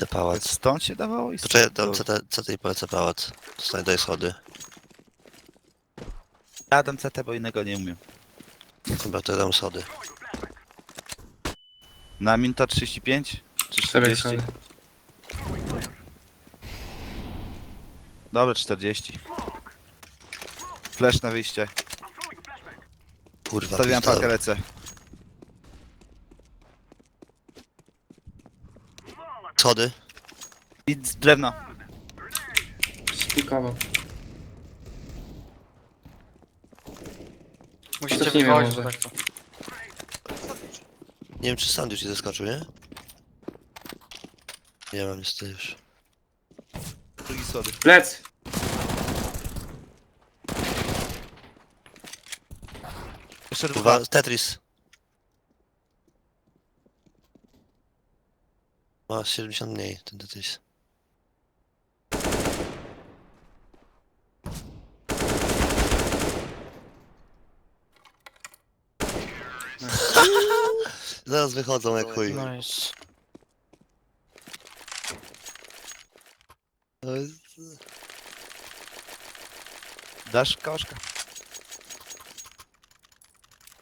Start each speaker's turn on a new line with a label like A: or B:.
A: Idę pałac.
B: Stąd się dawało i
A: Poczekaj,
B: stąd.
A: dam CT i polecę pałac. Dostaję daj schody.
B: Ja dam CT, bo innego nie umiem.
A: Chyba to dam schody.
B: Na minuta 35? Czy
C: 4
B: 40?
C: schody.
B: Dobra, 40. Flash na wyjście.
A: Kurwa,
B: Stawiam
A: pistolet.
B: pakę, lecę.
A: Schody.
B: I z drewna.
C: Spikował.
D: Musicie
C: Cofnijmy
D: wychodzić,
C: może.
D: bo tak to.
A: Nie wiem, czy sandwich ci zaskoczył, nie? Nie mam niestety już.
B: Drugi schody.
C: Plec!
B: Jeszcze dwa.
A: Kurwa, Tetris. Ma 70 mniej, ten Tetris. Zaraz wychodzą jak chuj.
D: Nice.
A: To jest-
B: Dasz koszka?